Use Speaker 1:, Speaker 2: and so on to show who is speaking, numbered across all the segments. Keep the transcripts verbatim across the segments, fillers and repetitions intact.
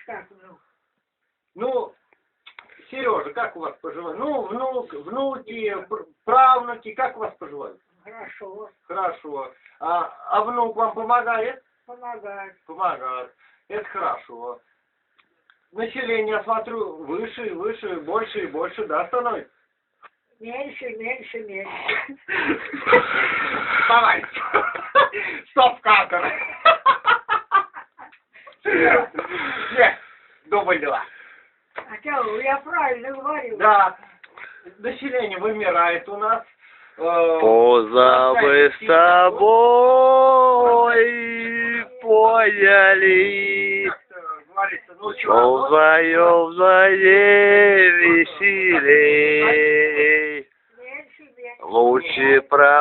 Speaker 1: как внук?
Speaker 2: Ну, Сережа, как у вас поживают? Ну, внук, внуки, пр- правнуки, как у вас поживают?
Speaker 1: Хорошо,
Speaker 2: Хорошо. А, а внук вам помогает?
Speaker 1: помогает.
Speaker 2: Помогает. Это хорошо. Население, я смотрю, выше и выше, больше и больше, да, становится?
Speaker 1: Меньше, меньше, меньше.
Speaker 2: Давай. Стоп-кадр. Нет, дубль два.
Speaker 1: А что, я правильно говорю?
Speaker 2: Да, население вымирает у нас. Э,
Speaker 3: Позабы с тобой поняли,
Speaker 2: как-то говорится, ну,
Speaker 3: что
Speaker 2: чего,
Speaker 3: вдвоем заре веселей.
Speaker 1: Меньше, меньше.
Speaker 3: Лучше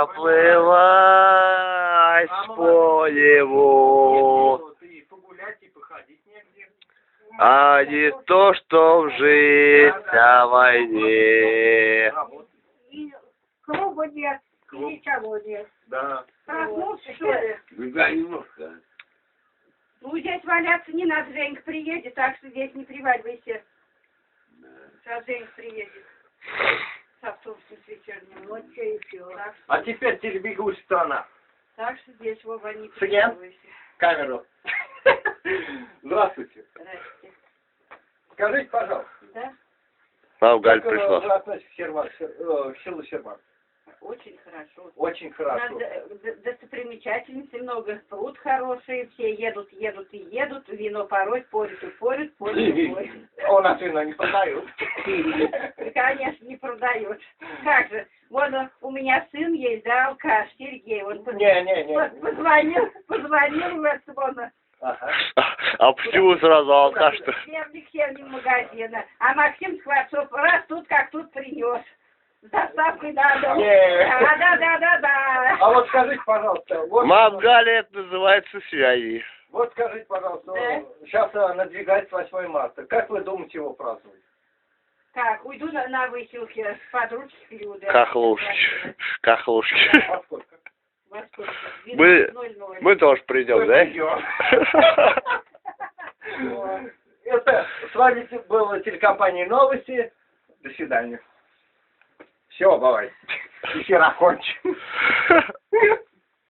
Speaker 3: проплывать по нему,
Speaker 2: и погулять, и походить негде.
Speaker 3: а не то, что жить на войне.
Speaker 2: Работать.
Speaker 1: И клуба нет, и
Speaker 2: Клуб.
Speaker 1: ничего нет.
Speaker 2: Да.
Speaker 1: Проснулся, что ли?
Speaker 4: Да, немножко.
Speaker 5: Ну, здесь валяться не надо, Женька приедет, так что здесь не приваливайся. Сейчас Женька приедет. С автобусом с вечерним.
Speaker 1: Вот что и все.
Speaker 5: Так, что-
Speaker 2: А теперь телебегущая страна.
Speaker 5: так что здесь, Вова, не
Speaker 2: Шаген?
Speaker 5: приваливайся.
Speaker 2: Камеру. Здравствуйте.
Speaker 5: Здрасте.
Speaker 2: Скажите, пожалуйста,
Speaker 5: Да?
Speaker 3: А, Галь
Speaker 2: как э,
Speaker 3: пришла.
Speaker 2: вы относитесь к, Серма- Сер- э, к селу Сермак?
Speaker 5: Очень хорошо.
Speaker 2: Очень
Speaker 5: У
Speaker 2: хорошо.
Speaker 5: нас д- д- достопримечательностей много, пруд хороший, все едут, едут и едут, вино пороть, порют и порют, порют и порют.
Speaker 2: У нас вино не продают.
Speaker 5: Конечно, не продают. Как же, вон э, у меня сын есть, да, алкаш, Сергей, он поз-
Speaker 2: Не, не, не.
Speaker 5: поз- позвонил, позвонил в это, вон, э,
Speaker 2: Ага.
Speaker 3: А почему сразу алкаш-то?
Speaker 5: хлебник хлебник магазина, а Максим Скворцов раз тут как тут принес. С доставкой на дом.
Speaker 2: Не.
Speaker 5: Да, да, да, да, да.
Speaker 2: А вот скажите, пожалуйста, вот,
Speaker 3: Мам, Галя, это называется связи.
Speaker 2: вот скажите, пожалуйста,
Speaker 5: Да.
Speaker 2: сейчас а, надвигается восьмое марта. Как вы думаете его праздновать?
Speaker 5: Так, уйду на, на выселке, подручных периода.
Speaker 3: Кахлушки. Кахлушки.
Speaker 2: Во сколько?
Speaker 5: Во сколько?
Speaker 3: Мы-
Speaker 5: двенадцать ноль ноль.
Speaker 3: Мы тоже придем, да?
Speaker 2: Вот. Это с вами была телекомпания «Новости». До свидания. Все, бывай. Эфир окончен.